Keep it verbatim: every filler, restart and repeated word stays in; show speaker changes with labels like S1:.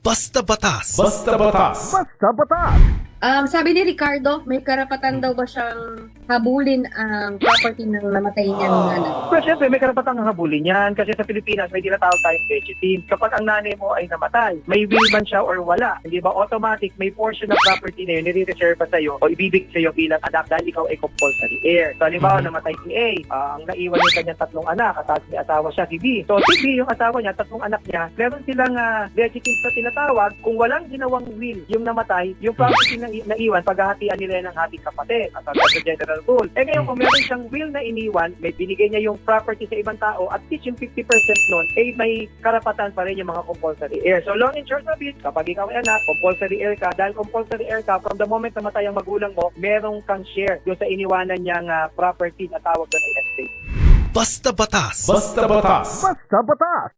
S1: Basta Batas.
S2: Basta Batas.
S3: Basta Batas!
S4: Um, sabi ni Ricardo, may karapatan daw ba siyang habulin ang property ng namatay niyang nanay?
S3: Pero syempre, may karapatang habulin yan kasi sa Pilipinas may tinatawag tayong vegetive. Kapag ang nanay mo ay namatay, may will man siya or wala, hindi ba automatic may portion ng property na yun nire-reserve pa sa'yo o ibibig sa'yo bilang anak dahil ikaw ay compulsory heir. So halimbawa, namatay si A, uh, ang naiwan niya kanyang tatlong anak at tapos may asawa siya si B. So si B, yung asawa niya, tatlong anak niya, meron silang uh, vegetive na tinatawag. Kung walang ginawang will yung namatay, yung property na naiwan, paghahatian nila ng hating kapatid at sa general rule. Eh ngayon, kung meron siyang will na iniwan, may binigay niya yung property sa ibang tao at least yung fifty percent nun, eh may karapatan pa rin yung mga compulsory heir. So long and short of it, kapag ikaw ay anak, compulsory heir ka, dahil compulsory heir ka, from the moment na matay ang magulang mo, merong kang share doon sa iniwanan niyang uh, property na tawag doon ay estate.
S1: Basta Batas.
S2: Basta Batas.
S3: Basta Batas!